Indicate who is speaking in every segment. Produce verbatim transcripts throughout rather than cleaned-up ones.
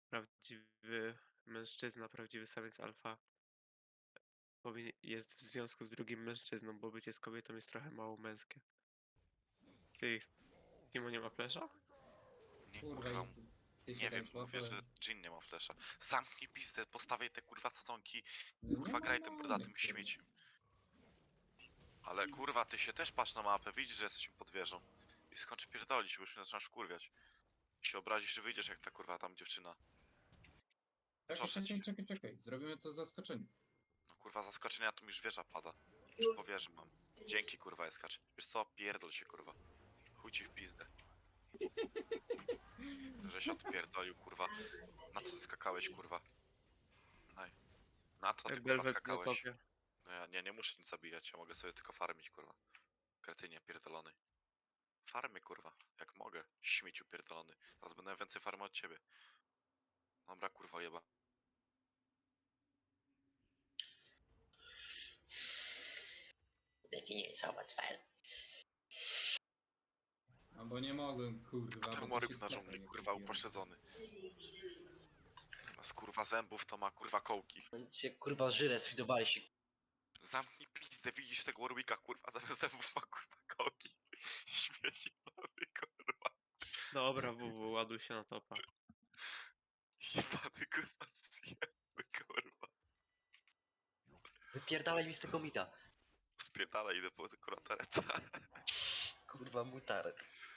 Speaker 1: prawdziwy mężczyzna, prawdziwy samiec alfa powinien, jest w związku z drugim mężczyzną, bo bycie z kobietą jest trochę mało męskie. Ty, Timo nie ma flesza?
Speaker 2: Nie
Speaker 3: Kurwa,
Speaker 2: kurwa,
Speaker 3: i ty się
Speaker 2: nie
Speaker 3: tam
Speaker 2: wiem, mówię, że
Speaker 3: szłapałem.
Speaker 2: Jin nie ma flesza. Zamknij pizdę, postawię te kurwa sadzonki,
Speaker 3: No nie
Speaker 2: kurwa
Speaker 3: ma
Speaker 2: graj tym
Speaker 3: mamy,
Speaker 2: brodatym
Speaker 3: kurwa.
Speaker 2: śmieciem. Ale kurwa, ty się też patrz na mapę, widzisz, że jesteśmy pod wieżą. I skończy pierdolić, bo już mnie zaczynasz wkurwiać. I się obrazisz, że wyjdziesz jak ta kurwa tam dziewczyna.
Speaker 3: Czekaj,
Speaker 2: Proszę
Speaker 3: czekaj,
Speaker 2: cię.
Speaker 3: czekaj, czekaj. Zrobimy to zaskoczenie.
Speaker 2: No kurwa, zaskoczenia to mi już wieża pada. Już po wieży mam. Dzięki kurwa, Eskacz. Wiesz co, pierdol się kurwa. Chuj ci w pizdę. Że się odpierdolił kurwa. Na co ty skakałeś kurwa? Naj. Na co ty kurwa
Speaker 1: Belwet na
Speaker 2: skakałeś?
Speaker 1: topie.
Speaker 2: No ja nie, nie muszę nic zabijać, ja mogę sobie tylko farmić kurwa. Kretynie pierdolony. Farmy kurwa, jak mogę. Śmieciu pierdolony. Teraz będę więcej farmy od ciebie. Dobra kurwa jeba.
Speaker 4: Definiować fajl.
Speaker 3: Albo nie mogłem, kurwa. bo to
Speaker 2: Turmoryk
Speaker 3: się
Speaker 2: na
Speaker 3: klapa
Speaker 2: dżungli,
Speaker 3: nie
Speaker 2: kurwa
Speaker 3: kupiłem.
Speaker 2: upośledzony. Zamiast kurwa zębów to ma kurwa kołki.
Speaker 4: Cię kurwa żyle sfidowaliście.
Speaker 2: Zamknij pizdę, widzisz tego Warwicka kurwa, zamiast zębów ma kurwa kołki. Śmieci pany kurwa.
Speaker 1: Dobra, W W, ładuj się na topa.
Speaker 2: Jebany kurwa zjebły kurwa.
Speaker 4: Wypierdalaj mi z tego mida.
Speaker 2: Spierdala, idę po kurwa tareta.
Speaker 4: Kurwa mutaret.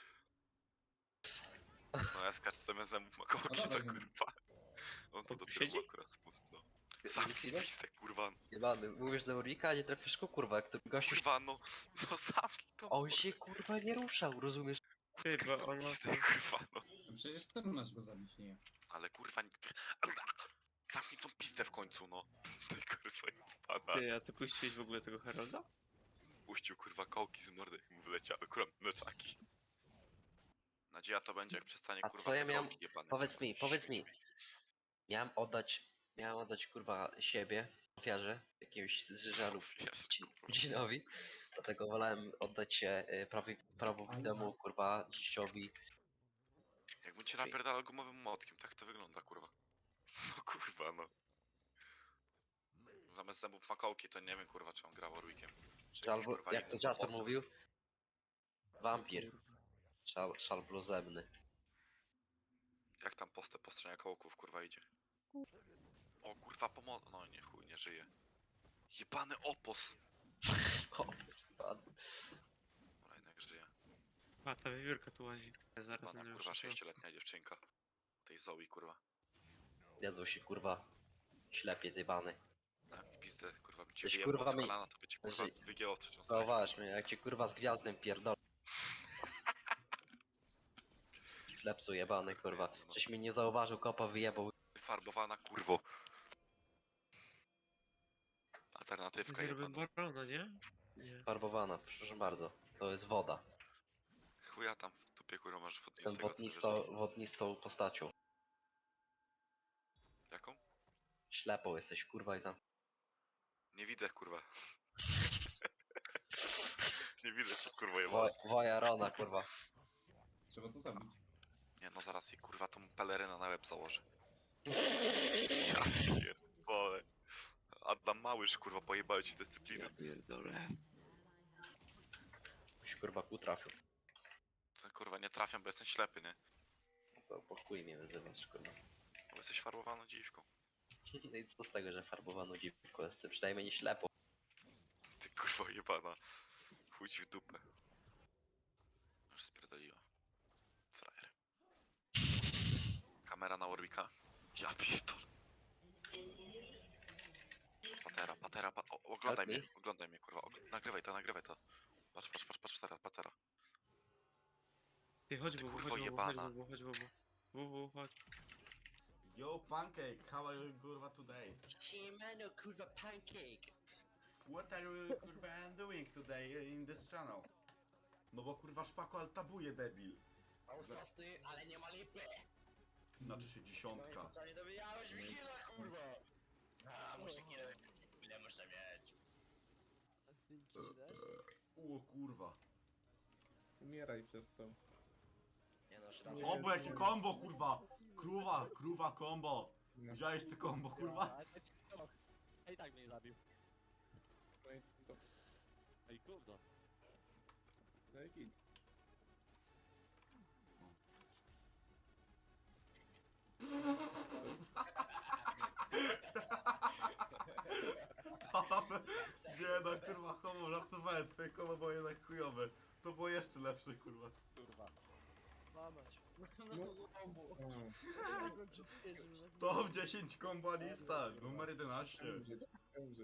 Speaker 2: No ja skaczę zamiast zębów ma kołki,
Speaker 3: No
Speaker 2: to
Speaker 3: dawaj,
Speaker 2: kurwa. On to
Speaker 1: On tu
Speaker 2: dopiero
Speaker 1: siedzi?
Speaker 2: ma akurat smutno. Zamknij pizdę kurwa.
Speaker 4: Jebany, mówisz do Urika, a nie trafisz go kurwa, jak to gościu...
Speaker 2: Kurwa no, no zamknij to.
Speaker 4: On się kurwa nie ruszał, rozumiesz?
Speaker 1: Ty, bo on ma...
Speaker 2: Pizdę kurwa no.
Speaker 3: No przecież ty masz go zabić, nie ja.
Speaker 2: Ale kurwa nikt... Zamknij tą pizdę w końcu, no. Ty kurwa jebana.
Speaker 1: Ty, a ty puściłeś w ogóle tego Herolda?
Speaker 2: Puścił kurwa kołki z mordy i mu wyleciały kurwa mleczaki. Nadzieja to będzie jak przestanie
Speaker 4: A
Speaker 2: kurwa
Speaker 4: co ja
Speaker 2: te
Speaker 4: miałem-
Speaker 2: kołki jebane.
Speaker 4: Powiedz mi, powiedz mi.
Speaker 2: Śmieć
Speaker 4: Miałem oddać... Miałem oddać kurwa siebie, ofiarze, jakiemuś zżalu
Speaker 2: Wiesz, kurwa.
Speaker 4: dzinowi. Dlatego wolałem oddać się y, prawi, prawowitemu kurwa dziściowi.
Speaker 2: Jakbym cię napierdalał gumowym młotkiem, tak to wygląda kurwa. No kurwa no. Zamiast zębów ma kołki, to nie wiem kurwa czy on grał Warwickiem. Czy jakimś,
Speaker 4: Albo
Speaker 2: kurwa,
Speaker 4: jak to
Speaker 2: innym
Speaker 4: Jasper
Speaker 2: bossem.
Speaker 4: mówił? Wampir. Szal, szal bluzemny.
Speaker 2: Jak tam postę po stronie kołków kurwa idzie. O kurwa pomoc... No nie chuj, nie żyje. Jebany opos!
Speaker 4: O, spadł.
Speaker 2: Dobra, jednak żyje.
Speaker 1: A, ta wiewiórka tu łazi. Zaraz
Speaker 2: Pana
Speaker 1: będę
Speaker 2: kurwa
Speaker 1: już
Speaker 2: sześcioletnia dziewczynka. Tej Zoe kurwa.
Speaker 4: Jadł się kurwa. Ślepiec jebany.
Speaker 2: Tak, pizdę kurwa by cię
Speaker 4: Weź,
Speaker 2: wyjebał
Speaker 4: kurwa,
Speaker 2: z
Speaker 4: mi-
Speaker 2: kolana, to by cię kurwa
Speaker 4: Że-
Speaker 2: wygięło w trzecią stronę.
Speaker 4: Zauważ mnie, jak cię kurwa z gwiazdem pierdolę. Ślepcu jebany kurwa. Żeś mnie nie zauważył, kopa wyjebał.
Speaker 2: Farbowana kurwo. Alternatywka
Speaker 1: Robię
Speaker 2: jebana.
Speaker 1: barona, nie? Nie.
Speaker 4: Farbowana, proszę bardzo. To jest woda.
Speaker 2: Chuja tam w dupie kurwa masz
Speaker 4: Jestem
Speaker 2: wodnistego.
Speaker 4: wodnisto, wodnistą postacią.
Speaker 2: Jaką?
Speaker 4: Ślepą jesteś kurwa i tam.
Speaker 2: Nie widzę kurwa. Nie widzę cię kurwa
Speaker 4: Wo,
Speaker 2: jebana.
Speaker 4: woja Rona kurwa.
Speaker 3: Trzeba to zabić.
Speaker 2: Nie no zaraz jej kurwa tą pelerynę na łeb założę. Ja pierdolę. Adam Małysz kurwa pojebały ci dyscyplinę.
Speaker 1: Ja pierdolę.
Speaker 4: Byś kurwa ku trafił.
Speaker 2: To, kurwa nie trafiam, bo jestem ślepy, nie?
Speaker 4: To po chuj mnie wyzywasz kurwa.
Speaker 2: Bo jesteś farbowaną dziwką.
Speaker 4: No i co z tego, że farbowaną dziwką jestem? Przynajmniej nie ślepo.
Speaker 2: Ty kurwa jebana. Chuj ci w dupę. Już spierdoliła. Frajer. Kamera na Warwicka. Ja pierdolę. Patera, patera, pa o, oglądaj
Speaker 4: Help
Speaker 2: mnie, oglądaj mnie kurwa. Ogl nagrywaj to, nagrywaj to. Patrz, patrz, patrz, patrz, patera, patera.
Speaker 1: Ty, chodź
Speaker 2: Ty
Speaker 1: W W,
Speaker 2: kurwo
Speaker 1: chodź W W, chodź
Speaker 2: jebana.
Speaker 1: W W, chodź W W. W W, chodź.
Speaker 5: Yo, Pancake, how are you, kurwa, today?
Speaker 4: Siemano kurwa pancake.
Speaker 5: What are you, kurwa, doing today in this channel? No bo, kurwa, szpako altabuje, debil.
Speaker 4: Mam sosny, ale nie ma lipy.
Speaker 5: Znaczy się dziesiątka.
Speaker 4: Co nie dobijałeś mi killa kurwa. A, muszę killa ile muszę mieć.
Speaker 5: O kurwa.
Speaker 6: Umieraj przez to.
Speaker 4: Nie no, raz.
Speaker 5: O, bo jakie combo, kurwa! Kruwa, kruwa combo.
Speaker 3: No.
Speaker 5: Widziałeś ty combo, kurwa?
Speaker 6: A i tak mnie nie zabił. Ej, kurwa.
Speaker 5: Nie no, kurwa, homo, żartowałem, twoje combo było jednak chujowe. To było jeszcze lepsze, kurwa.
Speaker 6: Kurwa. Mamać.
Speaker 5: Top dziesięć combo lista, numer jedenaście.